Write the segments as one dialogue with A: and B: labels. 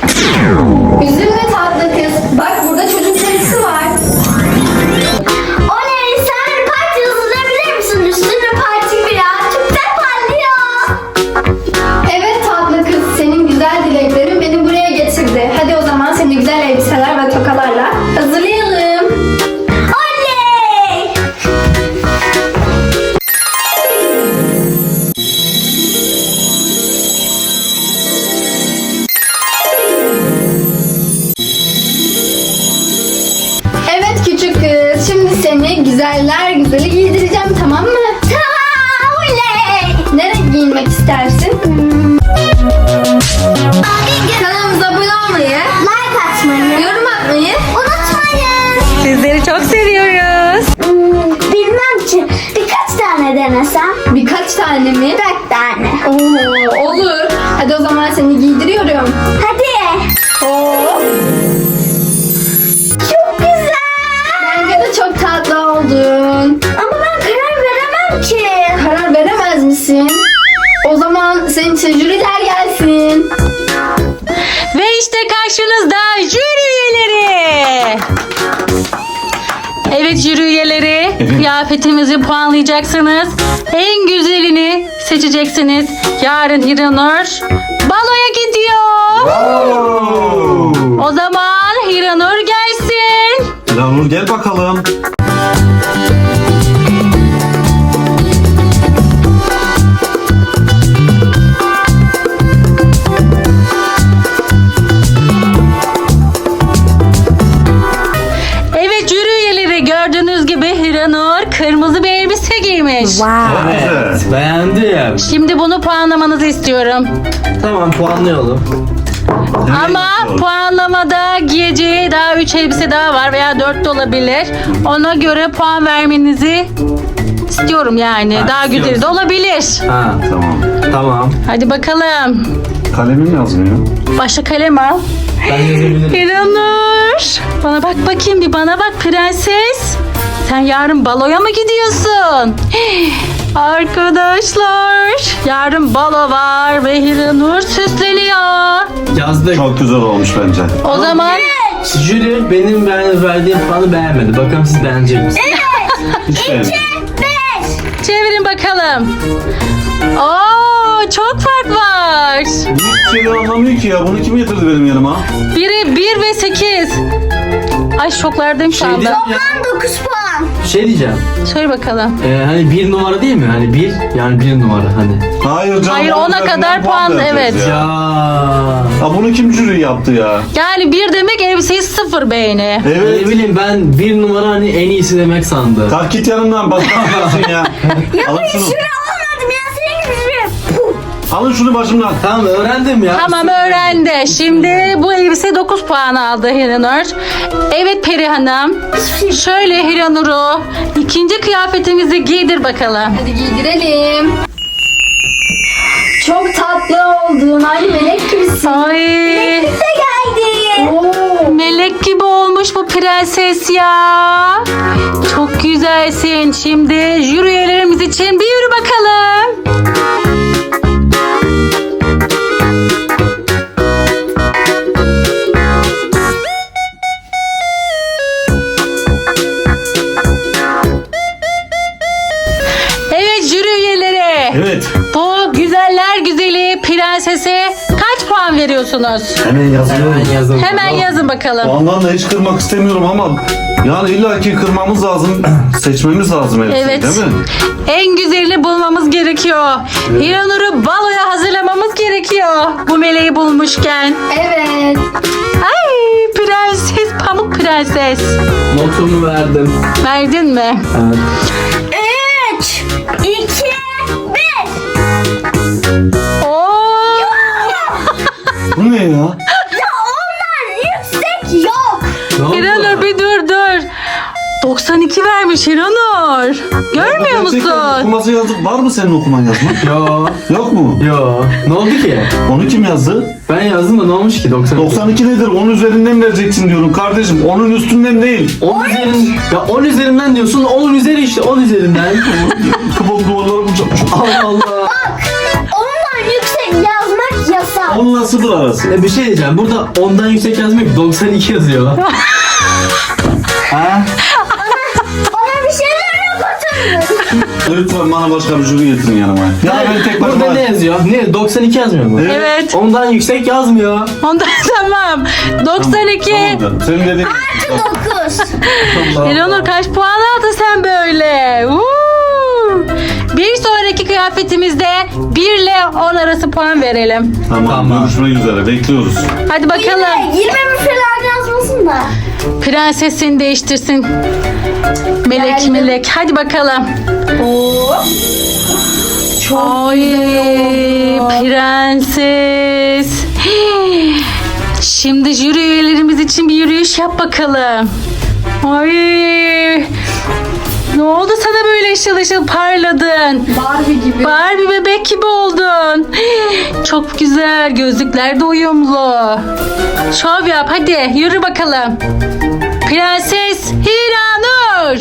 A: Üzülme tatlı kız. Bak burada çocuk serisi var.
B: Oley, sen bir parti hazırlayabilir misin? Üstünde parti biraz çok da parlıyor.
A: Evet tatlı kız. Senin güzel dileklerin beni buraya getirdi. Hadi o zaman seni güzel elbiseler ve tokalarla hazırlayalım.
B: Oley!
A: Evet küçük kız. Şimdi seni güzeller güzeli giydireceğim, tamam mı?
B: Tamam, oley!
A: Ne renk giyinmek istersin? Kanalımıza abone olmayı,
B: Like atmayı
A: yorum atmayı.
B: unutmayın.
C: Sizleri çok seviyoruz.
B: Bilmem ki birkaç tane denesem.
A: Birkaç tane mi?
B: 4 tane.
A: Oo, olur. Hadi o zaman seni giydiriyorum.
B: Hadi.
A: Oo,
B: Çok güzel.
A: bence de çok tatlı oldun.
B: Ama ben karar veremem ki.
A: Karar veremez misin? O zaman senin için jüriler gelsin.
C: Ve işte karşınızda jüri üyeleri. Evet jüri üyeleri, kıyafetimizi puanlayacaksınız. En güzelini seçeceksiniz. Yarın Hiranur baloya gidiyor. O zaman Hiranur gelsin.
D: Yağmur gel bakalım.
C: Evet jüri üyeleri, gördüğünüz gibi Hiranur kırmızı bir elbise giymiş.
D: Evet.
E: Beğendim.
C: Şimdi bunu puanlamanızı istiyorum.
E: Tamam, puanlayalım.
C: Ama puanlamada giyeceği daha 3 elbise daha var veya 4 de olabilir. Ona göre puan vermenizi istiyorum yani.
E: Ha,
C: Daha güzeli de
E: istiyorsun.
C: olabilir.
E: Ha,
D: Tamam.
E: tamam.
C: Hadi bakalım.
D: Kalemim yazmıyor.
C: Başka kalem al.
E: Ben yazabilirim.
C: İranur. Bana bak bakayım, bir bana bak prenses. Sen yarın baloya mı gidiyorsun? Arkadaşlar, yarın balo var ve Hiranur süsleniyor.
E: Yazdık.
D: Çok güzel olmuş bence.
C: O zaman
E: Jüri benim verdiğim puanı beğenmedi. Bakalım siz beğenecek misiniz?
D: Hiç beğenmedim.
B: 5.
C: çevirin bakalım. Oo, çok fark var.
D: Hiçbir şey anlamıyor ki ya. Bunu kim getirdi benim yanıma?
C: Biri 1 ve 8. Ay şoklardayım şu
E: Şey
C: anda.
E: diyeceğim ya.
B: 9 puan.
E: Şey diyeceğim.
C: Söyle bakalım.
E: Hani bir numara değil mi? Hani bir, yani bir numara hani.
D: Hayır canım.
C: Hayır,
D: onun
C: ona
D: üzerinden
C: kadar puan,
D: vereceğiz
C: evet.
D: Ya.
E: Ya.
D: Bunu kim jüri yaptı ya?
C: Yani 1 demek elbiseyi 0 beğeni.
D: Evet.
E: Ne bileyim, ben bir numara hani en iyisi demek sandım.
D: Kalk git yanımdan. Bak ne yapıyorsun ya? Alın şunu.
B: Şuraya olmadım ya, senin gibi şuraya.
D: Alın şunu başımdan.
E: Tamam, öğrendim ya.
C: Tamam, öğrendi. Şimdi bu elbise 9 puan aldı Hiranur. Evet Peri Hanım. Şöyle Hiranur'u ikinci kıyafetimizi giydir bakalım.
A: Hadi giydirelim. Çok tatlı oldun. Aynı melek gibisin.
C: Ay,
B: Bize geldi.
A: Oo.
C: melek gibi olmuş bu prenses ya. Çok güzelsin. Şimdi jüri üyelerimiz için bir yürü bakalım. Evet jüri üyeleri.
D: Evet.
C: Bu güzeller güzeli prensese kaç puan veriyorsunuz?
D: Hemen yazıyorum.
E: Hemen yazalım.
C: Hemen yazın bakalım.
D: Puandan da hiç kırmak istemiyorum ama yani illaki kırmamız lazım. Seçmemiz lazım elbiseyi,
C: Evet.
D: değil mi?
C: En güzelini bulmamız gerekiyor. Hiranur'u baloya hazırlamamız gerekiyor. Bu meleği bulmuşken.
A: Evet.
C: Ay prenses, pamuk prenses.
E: Notumu verdim.
C: Verdin mi?
E: Evet.
B: 3, 2, 1.
C: Oo.
D: Bu ne ya?
B: Ya ondan yüksek yok.
E: Ne oldu?
C: Hiranur bir dur. 92 vermiş Hiranur. Görmüyor
D: Gerçekten
C: musun?
D: okuması yazıp var mı senin okuman yazma?
E: Yo.
D: Yok mu?
E: Yo. Ne oldu ki?
D: Onu kim yazdı?
E: Ben yazdım da ne olmuş ki 92?
D: 92 nedir? 10 üzerinden vereceksin diyorum kardeşim. Onun üstünden değil.
E: 10 üzerin, ya 10 üzerinden diyorsun, 10 üzeri işte 10 üzerinden.
D: Kıvam duvarlarım çok.
E: Allah Allah.
B: Ondan yüksek yazmak yasak.
D: Onunla 0 arası.
E: Bir şey diyeceğim. Burada 10'dan yüksek yazmıyor ki. 92 yazıyor. Ha?
B: Ona bir şeyler yok oturun.
D: Lütfen bana başka bir jüri getirin yanıma. Ya ben tek başıma...
E: Burada ne yazıyor? Ne? 92 yazmıyor mu?
C: Evet.
E: 10'dan yüksek yazmıyor.
C: Ondan tamam. 92.
D: Tamam canım. Senin dediğin...
B: 9.
C: Eleanor kaç puan aldın sen böyle? Bir sonraki kıyafetimizde 1 ile 10 arası puan verelim.
D: Tamam. Görüşmek üzere. Bekliyoruz.
C: Hadi bakalım.
B: 20 falan yazmasın da.
C: Prensesini değiştirsin. Melek
A: Geldim.
C: melek. Hadi bakalım. Ay, prenses. Şimdi jüri üyelerimiz için bir yürüyüş yap bakalım. Ay. Ne oldu sana böyle ışıl ışıl parladın?
A: Barbie gibi.
C: Barbie bebek gibi oldun. Çok güzel. Gözlükler de uyumlu. Şov yap hadi. Yürü bakalım. Prenses Hiranur.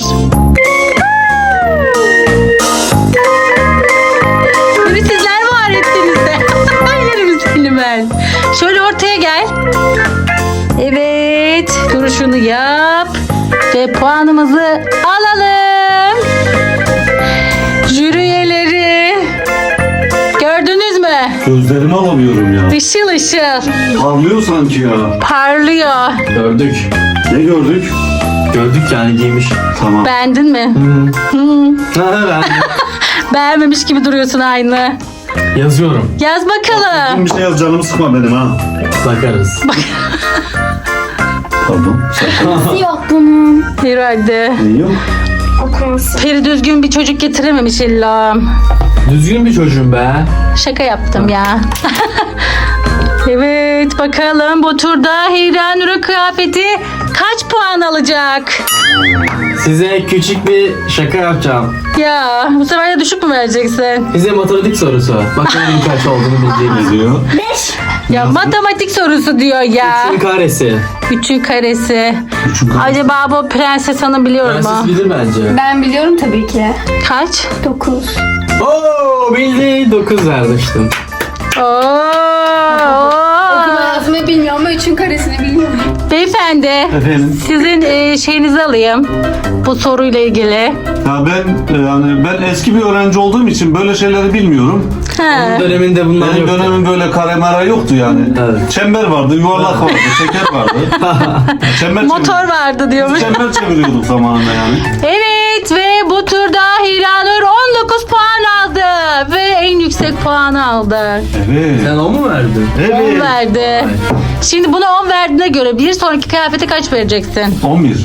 C: Beni sizler var ettiniz de. Yerim seni ben. Şöyle ortaya gel. Evet. Duruşunu yap. Ve puanımızı alalım. Jüri üyeleri. Gördünüz mü?
D: Gözlerimi alamıyorum ya.
C: Işıl ışıl.
D: Parlıyor sanki ya.
C: Parlıyor.
E: Gördük.
D: Ne gördük?
E: Gördük yani giymiş.
D: Tamam.
C: Beğendin mi?
E: Ben
C: Beğenmemiş gibi duruyorsun aynı.
E: yazıyorum.
C: Yaz bakalım.
D: Bir şey yaz, canımı sıkma benim ha.
E: Bakarız.
D: Pardon. Sakın.
B: Yok bunun.
C: Herhalde.
D: Ne yok?
B: Okuması.
C: Peri düzgün bir çocuk getirememiş illa.
E: Düzgün bir çocuğum be.
C: Şaka yaptım ya. Evet bakalım bu turda Hiranur'un kıyafeti kaç puan alacak?
E: Size küçük bir şaka yapacağım.
C: Ya bu sefer de düşük mü vereceksin?
E: Size matematik sorusu. Bakalım kaç olduğunu
D: Ne
E: bildiğiniz.
D: diyor?
B: 5.
C: Ya matematik sorusu diyor ya.
E: 3'ün karesi.
C: 3'ün karesi.
D: Üçün karesi.
C: Acaba bu Prenses Hanım biliyor
E: Prenses
C: mu?
E: bilir bence.
A: Ben biliyorum tabii ki.
C: Kaç?
A: 9.
E: Oo bildi. 9 vermiştim.
A: Okuma yazmayı bilmiyorum ama 3'ün karesini biliyorum.
C: Beyefendi
D: Efendim?
C: sizin şeyinizi alayım bu soruyla ilgili.
D: Ya ben eski bir öğrenci olduğum için böyle şeyleri bilmiyorum.
C: Ha.
E: Döneminde bunlar
D: Benim
E: yoktu.
D: dönemim böyle kare mara yoktu yani.
E: Evet.
D: Çember vardı, yuvarlak vardı, şeker vardı. Çember
C: Motor vardı diyormuş.
D: Çember çeviriyorduk zamanında yani.
C: Evet ve bu turda Hiranur 19 puan aldı ve en yüksek puanı aldı.
D: Evet.
E: Sen o mu verdin?
C: 10
D: Evet.
C: verdi. Şimdi buna 10 verdiğine göre bir sonraki kıyafete kaç vereceksin?
D: 11.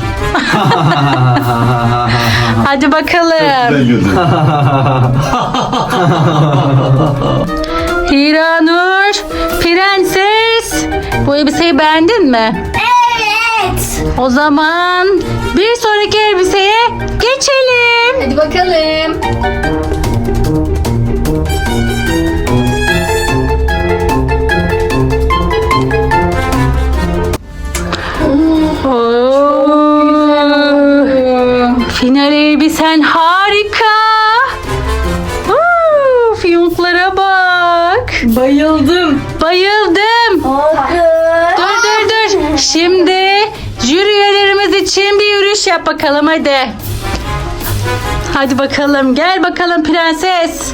C: Hadi bakalım.
D: Güzel güldü.
C: Hiranur, prenses. Bu elbiseyi beğendin mi?
B: Evet.
C: O zaman bir sonraki elbiseye geçelim.
A: Hadi bakalım.
C: Final elbisen harika. Fiyonklara bak.
A: Bayıldım.
C: Bayıldım. Dur. Şimdi jüri üyelerimiz için bir yürüyüş yap bakalım hadi. Hadi bakalım. Gel bakalım prenses.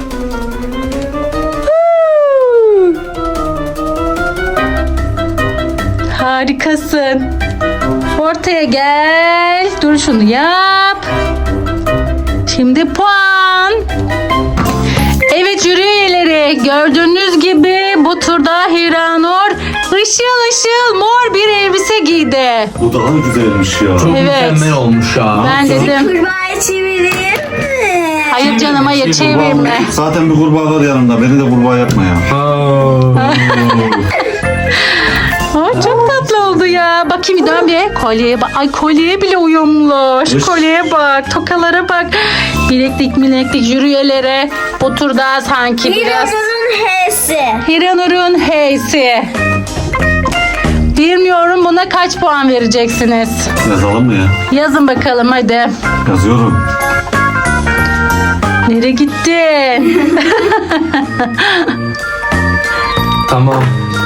C: Harikasın. Ortaya gel. Dur şunu yap. Şimdi puan. Evet jüri üyeleri gördüğünüz gibi bu turda Hiranur ışıl ışıl mor bir elbise giydi.
D: Bu daha güzelmiş ya.
E: Çok
C: Evet.
E: mükemmel olmuş ya.
C: Ben dedim.
B: Kurbağayı çevireyim mi?
C: Hayır canım hayır çevirme.
D: Zaten bir kurbağa var yanımda. Beni de kurbağa yapma ya.
C: Aa, çok tatlı oldu ya. Bakayım dön bir. Kolyeye bak. Ay kolyeye bile uyumlu. Şu
D: Üş.
C: kolyeye bak. Tokalara bak. Bileklik jüri üyeleri. Bu turda sanki biraz
B: Hiranur'un H'si.
C: Hiranur'un H'si. Bilmiyorum buna kaç puan vereceksiniz?
D: Yazalım mı ya?
C: Yazın bakalım hadi.
D: Yazıyorum.
C: Nereye gittin?
E: Tamam.